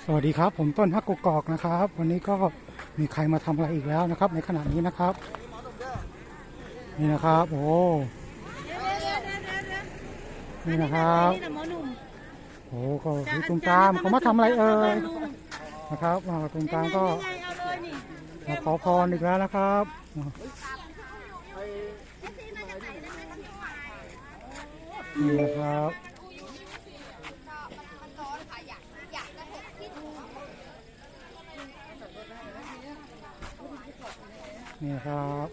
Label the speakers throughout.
Speaker 1: สวัสดีครับผมต้นฮักกกอกนะครับวันนี้ก็มีใครมาทำอะไรอีกแล้วนะครับในขณะนี้นะครับนี่นะครับโอ้นี่นะครับโอ้ก็ดูตุ้มตามเขามาทำอะไรเอ่ยนะครับตุ้มตามก็มาขอพรอีกแล้วนะครับนี่นะครับนี่ครับ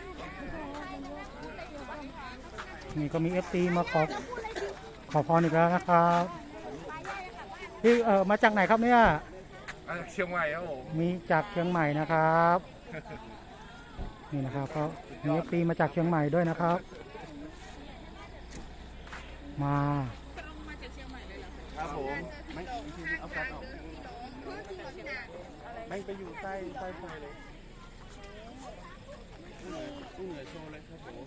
Speaker 1: นี่ก็มีFTมาขอพรอีกแล้วนะครับที่มาจากไหนครับเนี่ย
Speaker 2: เชียงใหม่ครับผม
Speaker 1: มีจากเชียงใหม่นะครับนี่นะครับก็มีFTมาจากเชียงใหม่ด้วยนะครับมา
Speaker 2: ครับผมไม่เอาแฟนออกไม่ไปอยู่ใต้ไฟเลยตู้เหนือโชว์เลยครับผม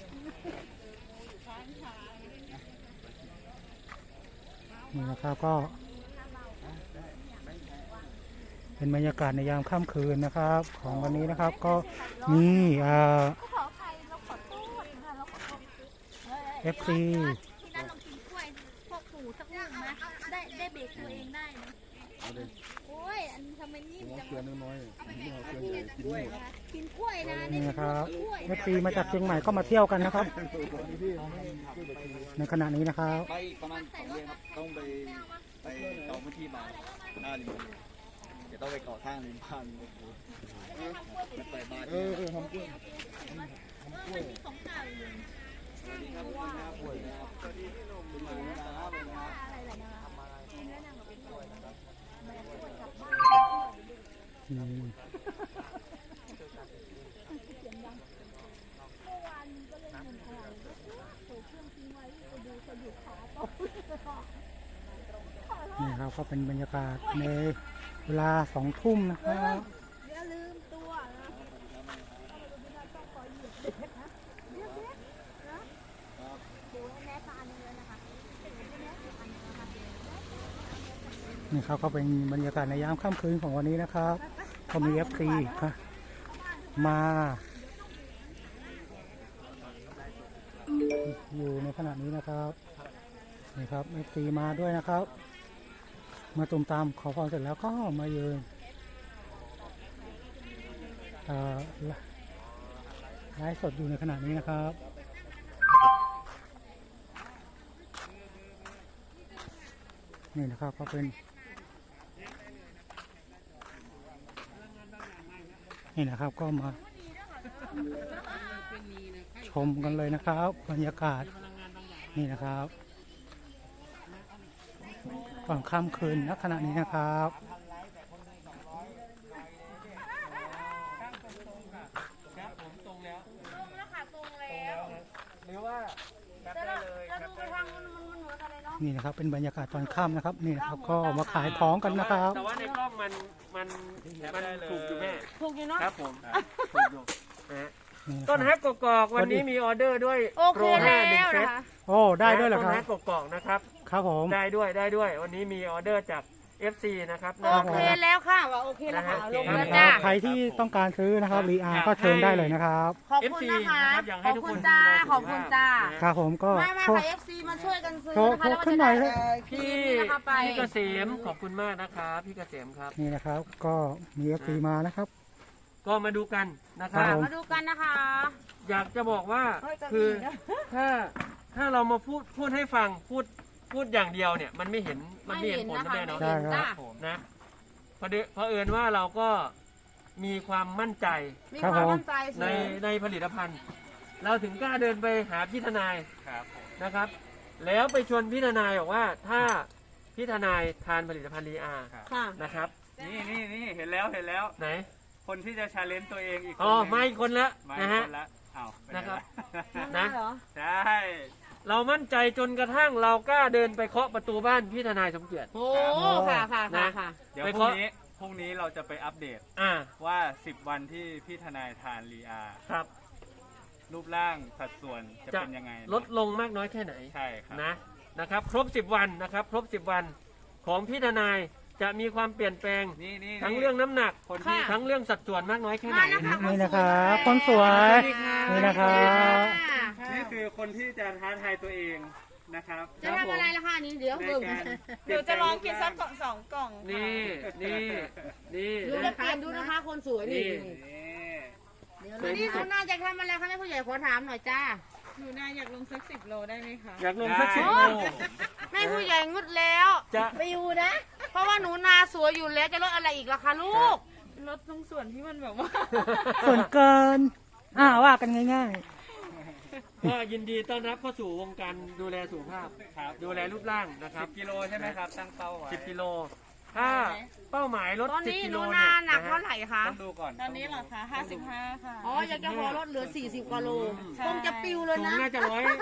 Speaker 1: นี่นะครับก็เป็นบรรยากาศในยามค่ำคืนนะครับของวันนี้นะครับก็มีFC
Speaker 3: ที่นั่นลองกินกล้วยพวกปู่สักลูกนะได้เบรกตัวเองได้นะโอ้ยอันทำไมนิ่มจังเลยน้อยกินกล้วยนะ
Speaker 1: นี่นะครับ FC มาจากเชียงใหม่ก็มาเที่ยวกันนะครับในขณะนี้นะครับ
Speaker 4: ไปประมาณ2 เดือนครับต้องไปเกาะพื้นที่มาหน้าริมเดี๋ยวต้องไปเกาะทางริมบ้านไปเปิดบ้านทำกล้วย
Speaker 3: ของเก่าอยู่
Speaker 4: สวัสดีครับทุกคนครับสวัสดีครับสวัสดีพี่หนุ่มมานะครับ
Speaker 3: อะไรล่ะนะกินแล้วนั่งกับเป็นกล้วยนะครับกลับบ้านเมื่อวานก็เล่นเงินทองโผล่เครื่องทิ้งไว้ไปดูสะดุดขาต่อ
Speaker 1: นี่ครับก็เป็นบรรยากาศในเวลา2 ทุ่มนะครับ
Speaker 3: อย่าลืมตัวนะต้องคอยเหยียบนะเรียบนะดูให้แม่ตาหนึ่งเลยนะคะ
Speaker 1: นี่ครับก็เป็นบรรยากาศในยามค่ำคืนของวันนี้นะครับก็มีFTครับมาอยู่ในขณะนี้นะครับนี่ครับFTมาด้วยนะครับมาตุ่มตามขอพรเสร็จแล้วก็มายืนไลฟ์สดอยู่ในขณะนี้นะครับนี่นะครับก็เป็นนี่นะครับก็มาชมกันเลยนะครับบรรยากาศนี่นะครับก่อนค่ำคืนณขณะนี้นะครับนี่นะครับเป็นบรรยากาศตอนค่ำนะครับนี่นะครับก็มาขายของกันนะครับ
Speaker 2: แต่ว่าในกล้องมันถูกอยู่แม่
Speaker 3: ถูกอยู่เนาะ
Speaker 2: ครับผมถูกอยู่ต้นฮักกกอกวันนี้มีออเดอร์ด้วยโปร5 1 เซต
Speaker 1: โอ้ได้ด้วยเหรอครับ
Speaker 2: ต้นฮักกกอกนะครับ
Speaker 1: ครับผม
Speaker 2: ได้ด้วยวันนี้มีออเดอร์จากFC นะครับ
Speaker 3: โอเคแล้วค่ะว่าโอเคแล้วค่ะลงแล้ว
Speaker 1: จ้าใครที่ต้องการซื้อนะครับรีอาร์ก็เชิญได้เลยนะครับ
Speaker 3: ขอบคุณนะคะขอบคุณจ้าขอบคุณจ้า
Speaker 1: ครับผมก็
Speaker 3: มาค่ะ FC มาช่วยกันซื้อนะคะแล้ว
Speaker 1: ขึ้นหน่อย
Speaker 2: พี่เกษมขอบคุณมากนะครับพี่เกษมครับ
Speaker 1: นี่นะครับก็มี FC มานะครับ
Speaker 2: ก็มาดูกันนะครับ
Speaker 3: มาดูกันนะคะ
Speaker 2: อยากจะบอกว่าคือถ้าเรามาพูดให้ฟังพูดอย่างเดียวเนี่ยมันไม่เห็นผลนะแม่เนาะนะเพราะเอิญว่าเราก็มีความมั่นใจในผลิตภัณฑ์เราถึงกล้าเดินไปหาพี่ทนายนะครับแล้วไปชวนพี่ทนายบอกว่าถ้าพี่ทนายทานผลิตภัณฑ์รีอาร์นะครับ
Speaker 4: นี่เห็นแล้ว
Speaker 2: ไหน
Speaker 4: คนที่จะชาเลนจ์ตัวเองอีก
Speaker 2: ไม่คนละนะฮะนะครับนะ
Speaker 4: ใช่
Speaker 2: เรามั่นใจจนกระทั่งเรากล้าเดินไปเคาะประตูบ้านพี่ทนายสมเกียรติ
Speaker 3: โอ้ค่ะ
Speaker 4: เดี๋ยวพรุ่งนี้เราจะไปอัปเดตว่า10 วันที่พี่ทนายทานรีอาร์
Speaker 2: ครับ
Speaker 4: รูปร่างสัดส่วนจะเป็นยังไง
Speaker 2: ลดลงมากน้อยแค่ไหน
Speaker 4: ใช่ครับ
Speaker 2: นะครับครบ10 วันนะครับครบ10 วันของพี่ทนายจะมีความเปลี่ยนแปลง
Speaker 4: นี่
Speaker 2: ทั้งเรื่องน้ำหนัก
Speaker 4: คนที่
Speaker 2: ทั้งเรื่องสัดส่วนมากน้อยแค่ไหน
Speaker 1: นี่นะครับคนสวย นี่นะครับ
Speaker 4: นี่คือคนที่จะท้าทายตัวเองนะครับ
Speaker 3: จะทำอะไรล่ะคะนี่เดี๋ยว
Speaker 4: ใน
Speaker 3: เบิ่ง
Speaker 4: การ
Speaker 5: เดี๋ยวจะลองกินสัก2 กล่อง
Speaker 2: นี่นี่นี่
Speaker 3: ดูจะเปลี่ยนดูนะคะคนสวยนี่
Speaker 4: นี่
Speaker 3: นี่เขาน่าจะทำอะไรคะแม่ผู้ใหญ่ขอถามหน่อยจ้า
Speaker 5: หนูนาอยากลงสัก10 โลได้ไหมคะ
Speaker 2: อยากลงสัก
Speaker 4: ได้
Speaker 2: 10 โล
Speaker 3: แม่ผู้ใหญ่งดแล้ว
Speaker 2: จะ
Speaker 3: ไปอยู่นะ เพราะว่าหนูนาสวยอยู่แล้วจะลดอะไรอีกล่ะคะลูก
Speaker 5: ลดตรงส่วนที่มันแบบว่า
Speaker 1: ส่วนเกินว่ากันง่าย
Speaker 2: ก็ยินดีต้อนรับเข้าสู่วงการดูแลสุขภาพ
Speaker 4: ครับ
Speaker 2: ดูแลรูปร่างนะครับ
Speaker 4: 10 กิโลใช่ไหมครับ ตั้งเป้าไว้
Speaker 2: 10 กิโล ถ้าเป้าหมายลด
Speaker 3: ตอนนี้
Speaker 2: 10 กิ
Speaker 3: ห
Speaker 2: โล
Speaker 3: นู
Speaker 2: เนี่
Speaker 3: นาย หนัก
Speaker 2: นะ
Speaker 3: เท่า
Speaker 2: ฮะ
Speaker 3: ไหร่คะ
Speaker 4: ต้องดูก่อน
Speaker 5: ตอนนี้เหรอคะ55 ค่ะ
Speaker 3: อ๋ออยากจะขอลดเหลือ40กว่าโล
Speaker 5: ใช่
Speaker 3: คงจะปิวเลย
Speaker 2: สูง
Speaker 3: นะ
Speaker 2: น่าจะ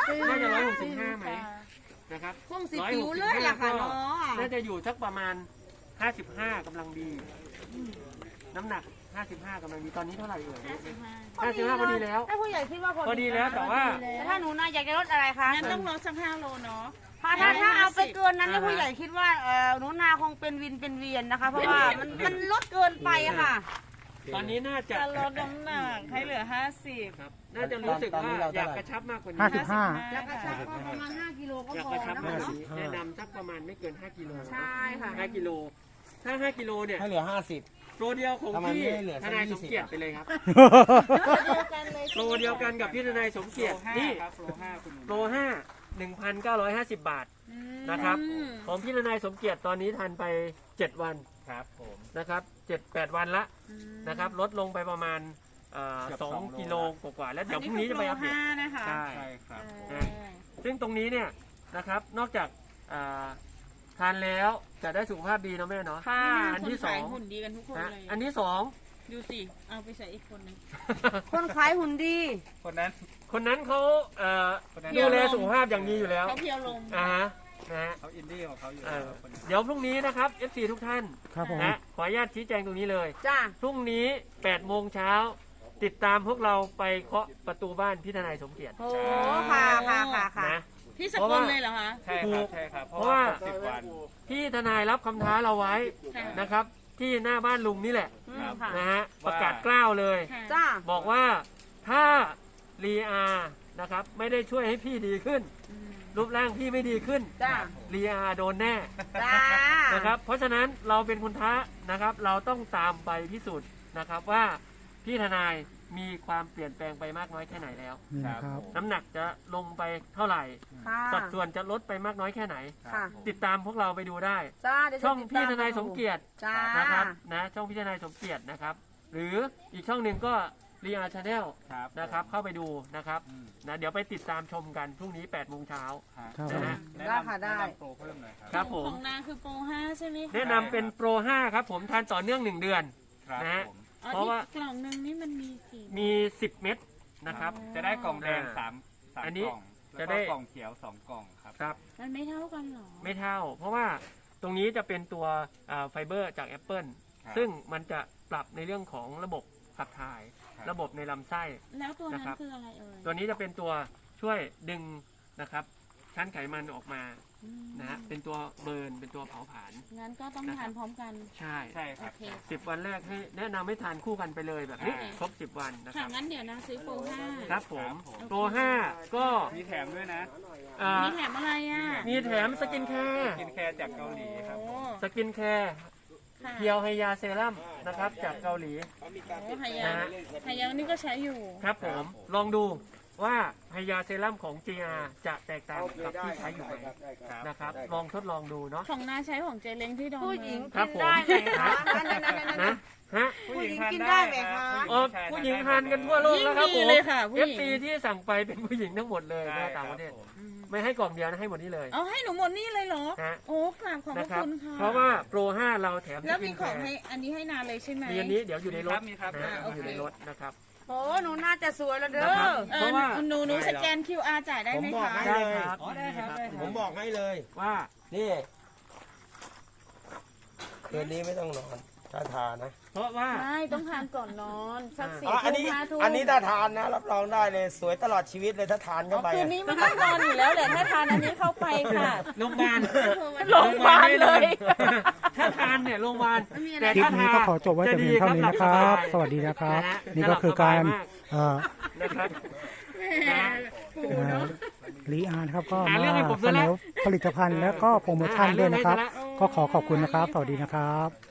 Speaker 2: 165ไหมนะครับ
Speaker 3: คงสิปิวเลยล่ะค่ะเนาะ
Speaker 2: น่าจะอยู่สักประมาณ 55กำลังดี น้ำหนัก 55กำลังดี ตอนนี้เท่าไหร่เอ่ย55พอดีแล้ว
Speaker 3: ถ้าผู้ใหญ่คิดว่า
Speaker 2: พอดีแล้วแต่ว่า
Speaker 3: แต่ถ้าหนูนาอยากจะลดอะไรคะ
Speaker 5: งั้นต้องลดสัก5 โลเนาะ
Speaker 3: ถ้าเอาไปเกินนั้นเนี่ยผู้ใหญ่คิดว่าหนูนาคงเป็นวินเป็นเวียนนะคะ เพราะว่ามันลดเกินไปอะค่ะ
Speaker 2: ตอนนี้น่าจะ
Speaker 5: จะลดน้ำหนักให้เหลือ50
Speaker 2: ครับ น่าจะรู้สึกว่าอยากกระชับมากกว่านี้
Speaker 1: 55
Speaker 3: อยากกระชับก็ประมาณ5กิโลก็
Speaker 2: อยาก
Speaker 3: พอก
Speaker 2: ระชับ
Speaker 3: นะ
Speaker 2: มาก
Speaker 3: คะ
Speaker 2: กว่านี้แนะนำสักประมาณไม่เกิน 5 กิโล
Speaker 3: ใช่ค่ะ
Speaker 2: 5 กิโล ถ้า 5 กิโลเนี่ย
Speaker 6: ให้เหลือ
Speaker 2: โปรเดียวของ
Speaker 6: ทำไม
Speaker 2: พี่
Speaker 6: ไม่เหลือสั
Speaker 2: ท
Speaker 6: ก
Speaker 2: นายสม
Speaker 6: 20
Speaker 2: เกียรติไปเลยครับ
Speaker 3: เดียวกันเลย
Speaker 2: โปรเดียวกันกับพี่ทนายสมเกียรตินี่
Speaker 4: ครับโปร5คุณ
Speaker 2: โปร5 1,950 บาทนะครับ ของพี่ทนายสมเกียรติตอนนี้ทันไป 7 วัน
Speaker 4: ครับผม
Speaker 2: นะครับ7-8 วันละนะครับลดลงไปประมาณ
Speaker 4: เกือบ
Speaker 2: 2
Speaker 4: 2
Speaker 2: กิโลกว่าๆแล้วเดี๋ยวพรุ่งนี้จะไปอัปเดต
Speaker 5: 5นะคะ
Speaker 2: ใช่
Speaker 4: ใช่ครับ
Speaker 2: นะซึ่งตรงนี้เนี่ยนะครับนอกจากทานแล้วจะได้สุขภาพดีเนาะแม่เนาะ
Speaker 3: ค่ะ
Speaker 2: อันที่
Speaker 5: คขาย
Speaker 2: 2
Speaker 5: หุ่นดีกันทุกคน
Speaker 2: นะ
Speaker 5: เลย
Speaker 2: อันที่
Speaker 5: ดูสิ เอาไปใส่อีกคนหนึง
Speaker 3: คนขายหุ่นดี
Speaker 4: คนนั้น
Speaker 2: 2 คนนั้นเขา
Speaker 4: คนนั้น
Speaker 2: ดูแลสุขภาพอย่างดีอยู่แล้ว
Speaker 5: เขาเพียวลง
Speaker 2: ฮะนะฮะ
Speaker 4: เขาอินดี้ของเขาอยู่
Speaker 2: เอ
Speaker 4: แล้ว
Speaker 2: อ
Speaker 4: คนนั้น
Speaker 2: เดี๋ยวพรุ่งนี้นะครับ FC ทุกท่าน
Speaker 1: ครับผม
Speaker 2: นะขออนุญาตชี้แจงตรงนี้เลย
Speaker 3: จ้า
Speaker 2: พรุ่งนี้8โมงเช้าติดตามพวกเราไปเคาะประตูบ้านพี่ทนายสมเกียรติ
Speaker 3: โอ้ค่ะค่ะ
Speaker 2: นะ
Speaker 5: พี่สกลเลยเหรอคะ
Speaker 4: ใช่ครับใช่ครับ เพราะ
Speaker 2: เพราะ
Speaker 4: ว่า
Speaker 2: ว่า
Speaker 4: ครบ10 วัน
Speaker 2: พี่ทนายรับคำท้าเราไว้
Speaker 5: ค่ะ
Speaker 2: นะครับ ที่หน้าบ้านลุงนี่แหละ
Speaker 4: ครับ
Speaker 3: ค่ะ
Speaker 2: นะฮะประกาศกล้าวเลย
Speaker 5: ค่ะ
Speaker 3: จ้า
Speaker 2: บอกว่าถ้ารีอานะครับไม่ได้ช่วยให้พี่ดีขึ้น รูปร่างพี่ไม่ดีขึ้น
Speaker 3: จ้า
Speaker 2: รีอาโดนแน่
Speaker 3: จ้า
Speaker 2: นะครับ เพราะฉะนั้นเราเป็นคนท้านะครับ เราต้องตามไปพิสูจน์นะครับว่าพี่ทนายมีความเปลี่ยนแปลงไปมากน้อยแค่ไหนแล้ว
Speaker 1: นี่นะครับ
Speaker 2: น้ำหนักจะลงไปเท่าไหร่
Speaker 3: ค่ะ
Speaker 2: สัดส่วนจะลดไปมากน้อยแค่ไหน
Speaker 3: ค่ะ
Speaker 2: ติดตามพวกเราไปดูได้
Speaker 3: จ้าเดี๋ยวจะ
Speaker 2: ช่อง
Speaker 3: ติดต
Speaker 2: พี่ทนายสมเกียรติ
Speaker 3: จ้า
Speaker 2: นะครับนะช่องพี่ทนายสมเกียรตินะครับ หรืออีกช่องหนึ่งก็รีอาร์ชาแนล
Speaker 4: ครับ
Speaker 2: นะครับเข้าไปดูนะครับ
Speaker 4: อืม
Speaker 2: นะเดี๋ยวไปติดตามชมกันพรุ่งนี้8โมงเช้า
Speaker 1: ครับ
Speaker 2: นะฮะ
Speaker 4: แนะ
Speaker 3: ได้
Speaker 4: นำ
Speaker 3: ค่ะได้
Speaker 4: แนะนำโปรเพิ่มหน่อยครับ
Speaker 2: ครับผม
Speaker 5: ของนางคือโปร5ใช่ไหมคะ
Speaker 2: แนะนำเป็นโปร 5 ครับผมทานต่อเนื่อง 1 เดือน
Speaker 4: ครับ
Speaker 2: นะฮะ
Speaker 4: ผม
Speaker 5: อ๋อ
Speaker 2: เพราะว่า
Speaker 5: ที่กล่องหนึงนี่มันมีกี่
Speaker 2: มี 10 เม็ดนะครับ
Speaker 4: จะได้กล่องแดง
Speaker 2: อ่า
Speaker 4: 3
Speaker 2: อันนี้
Speaker 4: กล่อง
Speaker 2: จะ
Speaker 4: แล้ว
Speaker 2: ได้
Speaker 4: ก็กล่องเขียว 2 กล่องครับ
Speaker 2: ครับ
Speaker 5: มันไม่เท่ากันเหรอ
Speaker 2: ไม่เท่า เพราะว่าตรงนี้จะเป็นตัวไฟเบอร์จากแอปเปิล
Speaker 4: ครับ
Speaker 2: ซึ่งมันจะปรับในเรื่องของระบบขับถ่าย
Speaker 4: ครับ
Speaker 2: ระบบในลำไส้
Speaker 5: แล้วตัวนั้น
Speaker 2: นะครับ
Speaker 5: คืออะไรเอ่ย
Speaker 2: ตัวนี้จะเป็นตัวช่วยดึงนะครับชั้นไขมันออกมา
Speaker 5: อืม
Speaker 2: นะฮะเป็นตัวเบิร์นเป็นตัวเผาผลาญ
Speaker 5: งั้นก็ต้องทานพร้อมกัน
Speaker 2: ใช่
Speaker 4: ใช่ค
Speaker 5: โอ
Speaker 4: รับ
Speaker 5: เค
Speaker 2: 10 วันแรกให้แนะนำให้ทานคู่กันไปเลยแบบนี้
Speaker 5: โอเค
Speaker 2: ครบ 10 วันนะค
Speaker 5: ค่ะ
Speaker 2: รับ
Speaker 5: งั้นเดี๋ยวนะซื้อโปร5
Speaker 2: ครับผม
Speaker 4: ครับผม
Speaker 2: โปร5ก็
Speaker 4: มีแถมด้วยนะ
Speaker 5: มีแถมอะไรอ่ะ
Speaker 2: มีแถมสกินแคร์
Speaker 4: กินแคร์จากเกาหลีครับ
Speaker 5: โอ้
Speaker 2: สกินแคร์
Speaker 5: ค่ะ
Speaker 2: เพียวไฮยาเซรั่มนะครับจากเกาหลี
Speaker 5: โอ้ไฮยา
Speaker 2: นะฮะ
Speaker 5: ไฮยานี่ก็ใช้อยู่
Speaker 2: ครับผมลองดูว่าไฮยาเซรั่มของ GR จะแตกต่างกับที่ใช้อยู่ไหมนะครับลองทดลองดูเนาะ
Speaker 5: ของน้าใช้ของเจเล้งที่ดอน
Speaker 3: ผู้หญิง
Speaker 5: เมือ
Speaker 2: ครับ
Speaker 3: กิน
Speaker 2: ผม
Speaker 3: ได้ไหมคะนั่น
Speaker 2: นะฮะ
Speaker 3: ผู้หญิงกินได้ไหมคะ
Speaker 2: อ๋อผู้หญิงทานกันทั่วโลก
Speaker 5: ยิ่ง
Speaker 2: แล้วครับ
Speaker 5: ดี
Speaker 2: ผม
Speaker 5: เลยค่ะผู้หญิง
Speaker 2: FC ที่สั่งไปเป็นผู้หญิงทั้งหมดเลย
Speaker 4: ใช่
Speaker 2: นะต่างประเทศ
Speaker 4: ครับผม
Speaker 2: ไม่ให้กล่องเดียวนะให้หมดนี้เลย
Speaker 5: เอาให้หนูหมดนี่เลยเหรอ
Speaker 2: ฮะ
Speaker 5: โอ้กราบขอบพ
Speaker 2: นะ
Speaker 5: ระ
Speaker 2: ครับ
Speaker 5: คุณค่ะ
Speaker 2: เพราะว่าโปร 5 เราแถม
Speaker 5: แล้ว
Speaker 2: สกิ
Speaker 5: มี
Speaker 2: น
Speaker 5: ของ
Speaker 2: แคร์
Speaker 5: ให้อันนี้ให้นาเลยใช่ไหม
Speaker 2: มีอันนี้เดี๋ยวอยู่ในรถ
Speaker 4: มีครับ
Speaker 2: นะ
Speaker 5: โอเค
Speaker 2: อยู่ในรถนะครับ
Speaker 3: โอ้หนูน่าจะสวยแล้วเด้
Speaker 2: นะครับ
Speaker 3: อ
Speaker 2: เพราะว่า
Speaker 5: หนูสแกน QR จ่ายได้ไหม
Speaker 6: ผมบอก
Speaker 5: คะ
Speaker 6: ให้
Speaker 2: ได้ครับ
Speaker 4: อ๋อได้ครับได้ครับ
Speaker 6: ผมบอกให้เลย
Speaker 2: ว่า
Speaker 6: นี่ คืนนี้ไม่ต้องนอน ถ้าทานนะ
Speaker 2: เพราะว่า
Speaker 5: ไม่ต้องทานก่อนนอนสัก4
Speaker 6: อ๋ออัน
Speaker 5: ทุ่
Speaker 6: นี้
Speaker 5: ม5 ทุ่ม
Speaker 6: อันนี้ถ้าทานนะ รับรองได้เลย สวยตลอดชีวิตเลยถ้าทานเข้าไป
Speaker 5: คืน
Speaker 6: อะ
Speaker 5: นี้ไม่ต้องนอนอยู่แล้วแหละถ้าทานอันนี้เข้าไปค่ะ
Speaker 2: โรงพยาบาล
Speaker 5: โรงพยาบาลเลย
Speaker 2: ถ้ถ้าทานเนี่ยโรงพยาบาลแต่
Speaker 1: คลิป
Speaker 2: ถ้า
Speaker 1: นี้
Speaker 2: ทาน
Speaker 1: ก็ขอจบไว้แต่เพียงเท่านี้นะครับ สวัสดีนะครับ นี่ก็คือการ
Speaker 2: นะครับ
Speaker 1: รีอาร์นะครับก็
Speaker 2: หา
Speaker 1: มา
Speaker 2: เรื่องให้ผม
Speaker 1: เส
Speaker 2: ซะ
Speaker 1: น
Speaker 2: แล้ว
Speaker 1: อผลิตภัณฑ์และก็โปรโมชั่นด้วยนะครับ ก็ขอขอบคุณนะครับ สวัสดีนะครับ